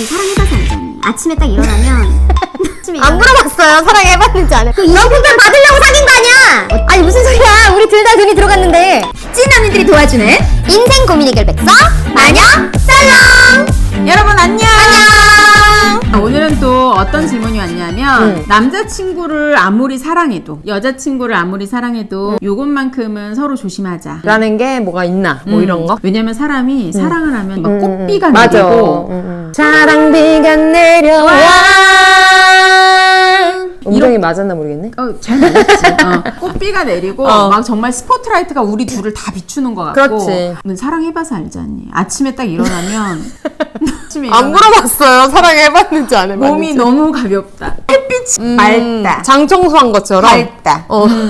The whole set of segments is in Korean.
언니 사랑해봐서 알죠 언니. 아침에 딱 일어나면 안 물어봤어요. 사랑해봤는지 안 해. 그 이용품편 받으려고 사귄 거 아니야. 아니 무슨 소리야. 우리 둘 다 돈이 들어갔는데. 찐 언니들이 도와주는 인생 고민 해결 백서 마녀 살롱. 여러분 안녕. 오늘은 또 어떤 질문이 왔냐면 남자친구를 아무리 사랑해도 여자친구를 아무리 사랑해도 요것만큼은 서로 조심하자 라는 게 뭐가 있나 뭐 이런 거. 왜냐면 사람이 사랑을 하면 막 꽃비가 맞아. 내리고 사랑비가 내려와. 음정이 맞았나 모르겠네. 잘 맞았지. 꽃비가 내리고 막 정말 스포트라이트가 우리 둘을 다 비추는 것 같고. 그렇지. 넌 사랑해봐서 알지 않니? 아침에 딱 일어나면 아침에 안 물어봤어요. 사랑해봤는지 안 해봤는지. 몸이 너무 가볍다. 햇빛이 맑다. 장 청소한 것처럼. 밝다.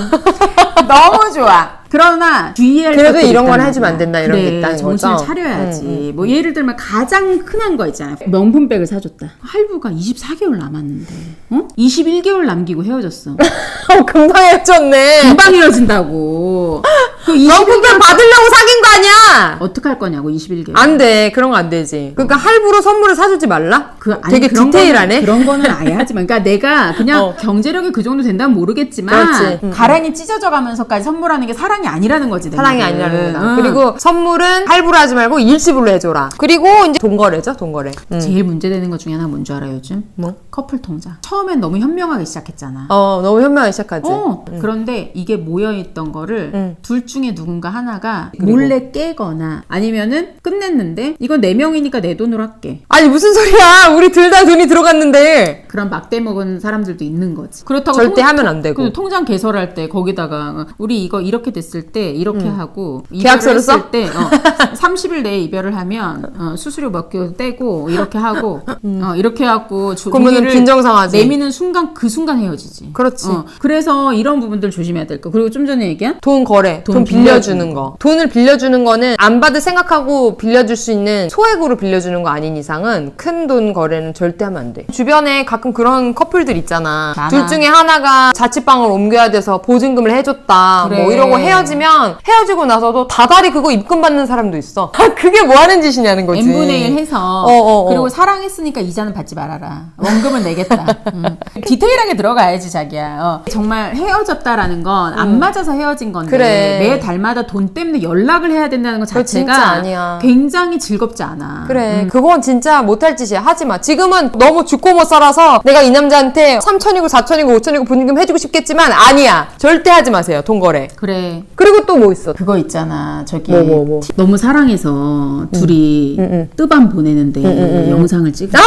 너무 좋아. 그러나 주의할 그래도 것들이 이런 건 있다는 해주면 안 거야. 된다 이런 게 있다는 정신을 거죠. 차려야지. 뭐 예를 들면 가장 흔한 거 있잖아요. 명품백을 사줬다. 할부가 24개월 남았는데 21개월 남기고 헤어졌어. 금방 헤어졌네. 금방 헤어진다고. 그 명품편 받으려고 사귄 거 아니야. 어떡할 거냐고 21개월. 안 돼. 그런 거 안 되지. 그러니까 할부로 선물을 사주지 말라? 아니, 되게 그런 디테일하네. 그런 거는 아예 하지 마. 그러니까 내가 그냥 경제력이 그 정도 된다면 모르겠지만 그렇지. 가랑이 찢어져 가면서까지 선물하는 게 사랑이 아니라는 거지. 내 사랑이 말은. 아니라는 거다. 그리고 선물은 할부로 하지 말고 일시불로 해줘라. 그리고 이제 돈거래죠, 돈거래. 제일 문제되는 것 중에 하나 뭔 줄 알아요, 요즘? 뭐? 커플 통장. 처음엔 너무 현명하게 시작했잖아. 너무 현명하게 시작하지. 그런데 이게 모여있던 거를 둘 중에 누군가 하나가 그리고? 몰래 깨거나 아니면은 끝냈는데 이건 내 명이니까 내 돈으로 할게. 아니 무슨 소리야. 우리 둘 다 돈이 들어갔는데. 그런 막대 먹은 사람들도 있는 거지. 그렇다고 절대 하면 안 되고. 그 통장 개설할 때 거기다가 우리 이거 이렇게 됐을 때 이렇게 하고 계약서를 써? 했을 때 30일 내에 이별을 하면 수수료 몇 개 떼고 이렇게 하고 이렇게 해갖고 그러면은 종이를 빈정상하지. 내미는 순간 그 순간 헤어지지. 그렇지. 그래서 이런 부분들 조심해야 될 거. 그리고 좀 전에 얘기한 돈 거래, 돈 빌려주는 거. 돈을 빌려주는 거는 안 받을 생각하고 빌려줄 수 있는 소액으로 빌려주는 거 아닌 이상은 큰 돈 거래는 절대 하면 안 돼. 주변에 가끔 그런 커플들 있잖아. 많아. 둘 중에 하나가 자취방을 옮겨야 돼서 보증금을 해줬다. 그래. 뭐 이러고 헤어지면 헤어지고 나서도 다달이 그거 입금 받는 사람도 있어. 그게 뭐 하는 짓이냐는 거지. n분의 1 해서 그리고 사랑했으니까 이자는 받지 말아라. 원금은 내겠다. 디테일하게 들어가야지 자기야. 정말 헤어졌다라는 건 안 맞아서 헤어진 건데 그래. 매 달마다 돈 때문에 연락을 해야 된다는 것 그거 진짜 자체가 아니야. 굉장히 즐겁지 않아. 그래 그건 진짜 못할 짓이야. 하지마. 지금은 너무 죽고 못 살아서 내가 이 남자한테 3천이고 4천이고 5천이고 보증금 해주고 싶겠지만 아니야. 절대 하지 마세요. 돈 거래. 그래. 그리고 또 뭐 있어? 그거 있잖아. 저기 뭐. 너무 사랑해서 둘이 뜨밤 보내는데 영상을 찍어.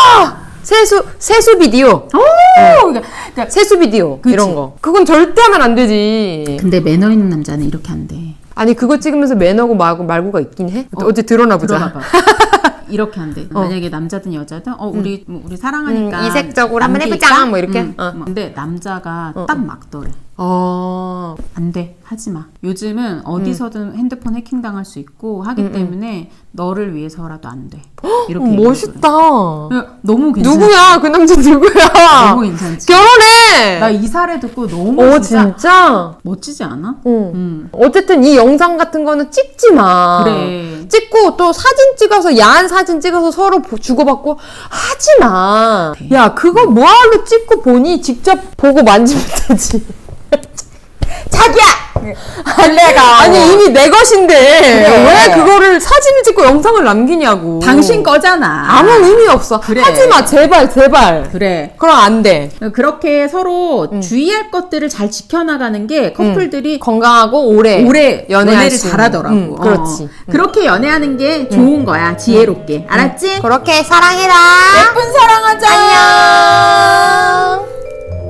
세수 비디오. 그러니까 세수 비디오. 그치. 이런 거. 그건 절대 하면 안 되지. 근데 매너 있는 남자는 이렇게 안 돼. 아니 그거 찍으면서 매너고 말고가 있긴 해? 어제 들어나 보자. 들어봐봐. 이렇게 안 돼. 만약에 남자든 여자든 우리 사랑하니까 이색적으로 한번 남기니까? 해보자 뭐 이렇게. 근데 남자가 딱 막더래. 어. 안 돼. 하지 마. 요즘은 어디서든 핸드폰 해킹 당할 수 있고 하기 때문에 너를 위해서라도 안 돼. 이렇게 멋있다. 얘기하더래. 너무 괜찮아. 누구야? 그 남자 누구야? 너무 괜찮지. 결혼해. 나 이 사례 듣고 너무 진짜? 멋지지 않아? 어쨌든 이 영상 같은 거는 찍지 마. 그래. 찍고 또 사진 찍어서 야한 사진 찍어서 서로 주고받고 하지 마. 야 그거 뭐하러 찍고 보니 직접 보고 만지면 되지. 자기야! 내가 아니 이미 내 것인데 그래. 왜 그거를 사진을 찍고 영상을 남기냐고. 당신 거잖아. 아무 의미 없어. 그래. 하지 마 제발. 그래. 그럼 안 돼. 그렇게 서로 주의할 것들을 잘 지켜나가는 게 커플들이 건강하고 오래 연애를 연애할 수 있는. 잘하더라고. 그렇지. 그렇게 연애하는 게 좋은 거야. 지혜롭게. 알았지? 그렇게 사랑해라. 예쁜 사랑하자. 안녕.